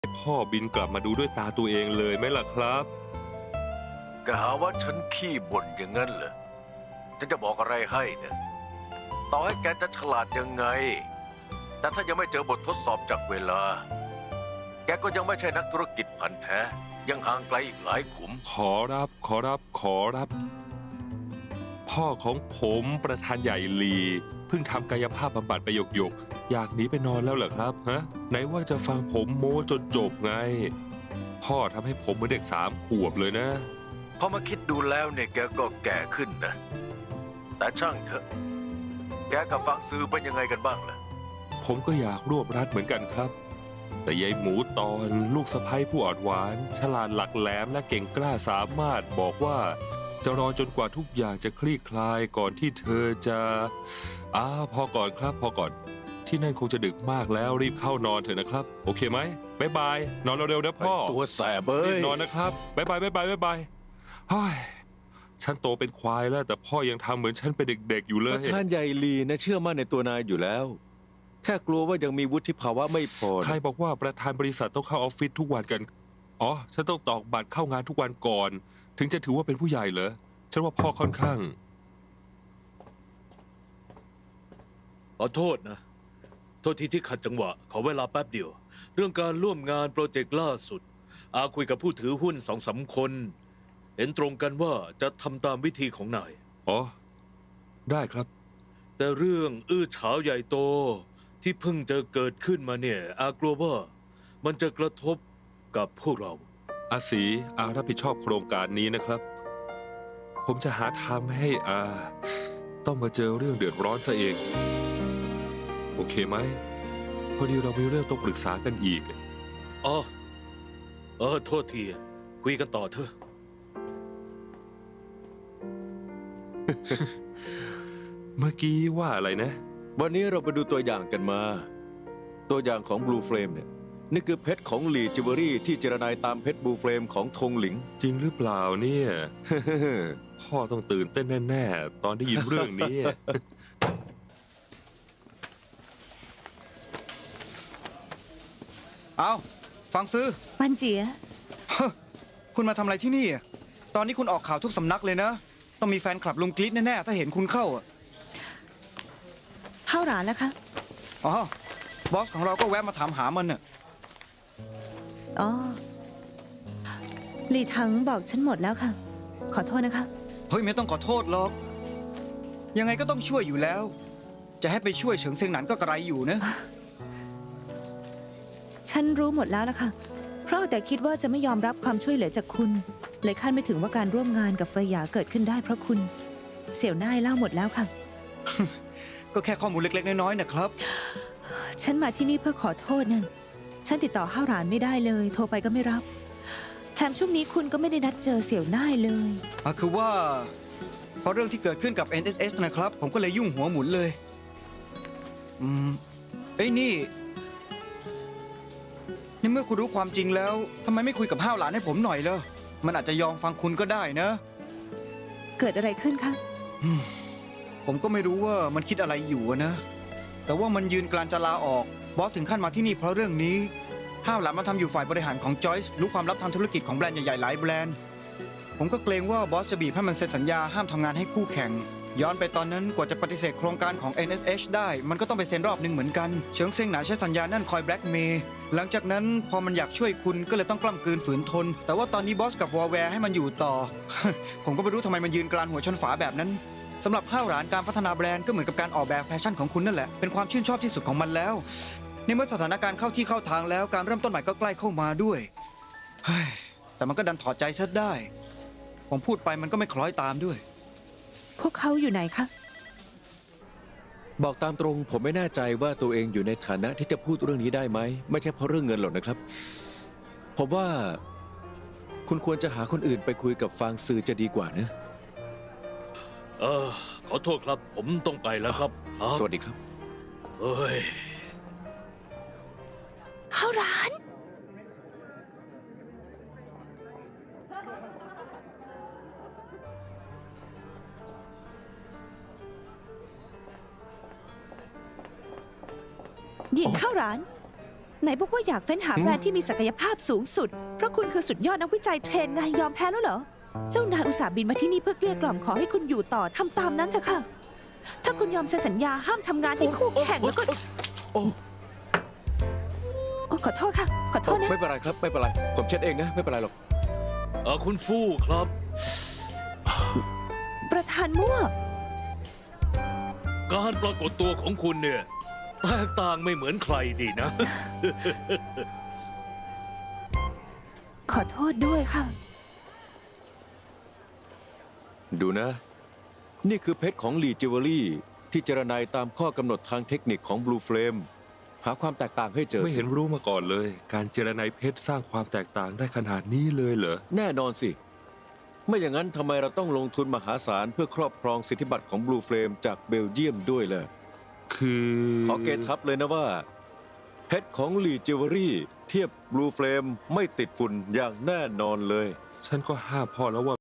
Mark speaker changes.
Speaker 1: พ่อบินกลับมาดูด้วยตาตัวเองเลยไหมล่ะครับ
Speaker 2: ก็หาว่าฉันขี้บ่นอย่างนั้นเหรอฉันจะบอกอะไรให้เนี่ยต่อให้แกจะฉลาดยังไง แต่ถ้ายังไม่เจอบททดสอบจากเวลา แกก็ยังไม่ใช่นักธุรกิจพันธุ์แท้ ยังห่างไกลอีกหลายขุม
Speaker 1: ขอรับ พ่อของผมประธานใหญ่ลีเพิ่งทำกายภาพบำบัดไปหยกอยากหนีไปนอนแล้วเหรอครับฮะไหนว่าจะฟังผมโม้จนจบไง พ่อทำให้ผมเหมือนเด็ก3 ขวบเลยนะ
Speaker 2: พอมาคิดดูแล้วเนี่ยแกก็แก่ขึ้นนะ แต่ช่างเถอะ แกกับฟังซื้อเป็นยังไงกันบ้างล่ะ
Speaker 1: ผมก็อยากรวบรัดเหมือนกันครับ แต่ยายหมูตอนลูกสะใภ้ผู้อ่อนหวานฉลาดหลักแหลมและเก่งกล้าสามารถบอกว่าจะรอจนกว่าทุกอย่างจะคลี่คลายก่อนที่เธอจะพอก่อนครับพอก่อนที่นั่นคงจะดึกมากแล้วรีบเข้านอนเถอะนะครับ โอเคไหมบ๊ายบายนอนเร็วๆนะพ่อ
Speaker 3: ตัวแสบเอ้
Speaker 1: รีบ
Speaker 3: ย
Speaker 1: นอนนะครับบ๊ายบายเฮ้ยฉันโตเป็นควายแล้วแต่พ่อยังทำเหมือนฉันเป็นเด็กๆอยู่เล
Speaker 3: ป
Speaker 1: ย
Speaker 3: ระธานใหญ่ลีนะเชื่อมั่นในตัวนายอยู่แล้ว แค่กลัวว่ายังมีวุฒิภาวะไม่พอ
Speaker 1: ใครบอกว่าประธานบริษัทต้องเข้าออฟฟิศทุกวันกัน อ๋อ ฉันต้องตอกบัตรเข้างานทุกวันก่อน ถึงจะถือว่าเป็นผู้ใหญ่เหรอ ฉันว่าพ่อค่อนข้าง
Speaker 4: ขอโทษนะ โทษทีที่ขัดจังหวะ ขอเวลาแป๊บเดียว เรื่องการร่วมงานโปรเจกต์ล่าสุด คุยกับผู้ถือหุ้น2-3 คน เห็นตรงกันว่าจะทำตามวิธีของนาย
Speaker 1: อ๋อ ได้ครับ
Speaker 4: แต่เรื่องอื้อฉาวใหญ่โตที่เพิ่งจะเกิดขึ้นมาเนี่ย กลัวว่ามันจะกระทบกับพวกเรา
Speaker 1: อาศีรับผิดชอบโครงการนี้นะครับ ผมจะหาทางไม่ให้ต้องมาเจอเรื่องเดือดร้อนซะเอง โอเคไหม พอดีเรามีเรื่องต้องปรึกษากันอีก
Speaker 4: อ๋อ โทษที คุยกันต่อเถอะ
Speaker 1: เมื่อกี้ว่าอะไรนะ
Speaker 3: วันนี้เราไปดูตัวอย่างกันมา ตัวอย่างของ Blue Flame เนี่ยนี่คือเพชรของหลีจิวเวลรี่ที่เจรนายตามเพชร Blue Flame ของธงหลิง
Speaker 1: จริงหรือเปล่าเนี่ย พ่อต้องตื่นเต้นแน่ๆ ตอนได้ยินเรื่องนี้
Speaker 5: เอาฟังซื้อ
Speaker 6: ปันเจีย
Speaker 5: คุณมาทำอะไรที่นี่อะตอนนี้คุณออกข่าวทุกสำนักเลยนะ ต้องมีแฟนคลับลุงกรี๊ดแน่ๆ ถ้าเห็นคุณเข้าอะ
Speaker 6: เข้าร้านแล้วคะ
Speaker 5: อ๋อบอสของเราก็แวะมาถามหามันน่ะ
Speaker 6: อ๋อหลีถังบอกฉันหมดแล้วค่ะ ขอโทษนะคะ
Speaker 5: เฮ้ยไม่ต้องขอโทษหรอก ยังไงก็ต้องช่วยอยู่แล้ว จะให้ไปช่วยเฉิงเซิงหนันก็กระไรอยู่นะ
Speaker 6: ฉันรู้หมดแล้วล่ะค่ะ เพราะแต่คิดว่าจะไม่ยอมรับความช่วยเหลือจากคุณ เลยคาดไม่ถึงว่าการร่วมงานกับเฟยหยาเกิดขึ้นได้เพราะคุณ เสี่ยวน่ายเล่าหมดแล้วค่ะ
Speaker 5: ก็แค่ข้อมูลเล็กๆน้อยๆนะครับ
Speaker 6: ฉันมาที่นี่เพื่อขอโทษนะฉันติดต่อห้าวหลานไม่ได้เลย โทรไปก็ไม่รับ แถมช่วงนี้คุณก็ไม่ได้นัดเจอเสี่ยวน่ายเลย
Speaker 5: คือว่าเพราะเรื่องที่เกิดขึ้นกับ NSS นะครับ ผมก็เลยยุ่งหัวหมุนเลย เอ้ยนี่เมื่อคุณรู้ความจริงแล้วทำไมไม่คุยกับห้าวหลานให้ผมหน่อยเลยมันอาจจะยอมฟังคุณก็ได้นะ
Speaker 6: เกิดอะไรขึ้นคะ
Speaker 5: ผมก็ไม่รู้ว่ามันคิดอะไรอยู่อะนะ แต่ว่ามันยืนกลานจะลาออก บอสถึงขั้นมาที่นี่เพราะเรื่องนี้ ห้าวหลานมาทำอยู่ฝ่ายบริหารของจอยส์รู้ความลับทางธุรกิจของแบรนด์ใหญ่ๆหลายแบรนด์ ผมก็เกรงว่าบอสจะบีบให้มันเซ็นสัญญาห้ามทำงานให้คู่แข่ง ย้อนไปตอนนั้นกว่าจะปฏิเสธโครงการของ NSH ได้ มันก็ต้องไปเซ็นรอบหนึ่งเหมือนกัน เฉิงเซิงหนานใช้สัญญานั่นคอยแบล็กเมย์ หลังจากนั้นพอมันอยากช่วยคุณก็เลยต้องกล้ำกลืนฝืนทน แต่ว่าตอนนี้บอสกับวอลแวร์ให้มันอยู่ต่อ ผมก็ไม่รู้ทำไมมันยืนกลานหัวชนฝาแบบนั้น สำหรับห้าวหลานการพัฒนาแบรนด์ก็เหมือนกับการออกแบบแฟชั่นของคุณนั่นแหละ เป็นความชื่นชอบที่สุดของมันแล้วในเมื่อสถานการณ์เข้าที่เข้าทางแล้วการเริ่มต้นใหม่ก็ใกล้เข้ามาด้วยเฮ้ยแต่มันก็ดันถอดใจซะได้ ผมพูดไปมันก็ไม่คล้อยตามด้วย
Speaker 6: พวกเขาอยู่ไหนคะ
Speaker 3: บอกตามตรงผมไม่แน่ใจว่าตัวเองอยู่ในฐานะที่จะพูดเรื่องนี้ได้ไหม ไม่ใช่เพราะเรื่องเงินหรอกนะครับ ผมว่าคุณควรจะหาคนอื่นไปคุยกับฟางซือจะดีกว่านะ
Speaker 4: ขอโทษครับ ผมต้องไปแล้วครับ
Speaker 3: สวัสดีครับ
Speaker 4: เอ้ย
Speaker 6: ห้าวหลาน หยินห้าวหลานไหนบอกว่าอยากเฟ้นหาแบรนด์ที่มีศักยภาพสูงสุด เพราะคุณคือสุดยอดนักวิจัยเทรนไงยอมแพ้แล้วเหรอ เจ้านายอุตส่าห์บินมาที่นี่เพื่อเกลี้ยกล่อมขอให้คุณอยู่ต่อทำตามนั้นเถอะค่ะ ถ้าคุณยอมเซ็นสัญญาห้ามทำงานที่คู่แข่งแล้วก็
Speaker 3: โอ้
Speaker 6: โอ้ขอโทษค่ะ ขอโทษนะ
Speaker 3: ไม่เป็นไรครับ ไม่เป็นไร ผมเช็ดเองนะ ไม่เป็นไรหรอก
Speaker 4: คุณฟู่ครับ
Speaker 6: ประธานมั่ว
Speaker 4: การปรากฏตัวของคุณเนี่ยแตกต่างไม่เหมือนใครดีนะ
Speaker 6: ขอโทษด้วยค่ะ
Speaker 3: ดูนะ นี่คือเพชรของลีจิวเวลรี่ที่เจรนายตามข้อกำหนดทางเทคนิคของ Blue Flame หาความแตกต่างให้เจอ
Speaker 1: ไม่
Speaker 3: สิ
Speaker 1: เห็นรู้มาก่อนเลย การเจรไนเพชรสร้างความแตกต่างได้ขนาดนี้เลยเหรอ
Speaker 3: แน่นอนสิ ไม่อย่างนั้นทำไมเราต้องลงทุนมหาศาลเพื่อครอบครองสิทธิบัตรของ Blue Flame จากเบลเยียมด้วยล่ะ
Speaker 1: คือ
Speaker 3: ขอเกทับเลยนะว่า เพชรของลีจิวเวลรี่เทียบ Blue Flame ไม่ติดฝุ่นอย่างแน่นอนเลย
Speaker 1: ฉันก็ห้ามพ่อแล้วว่า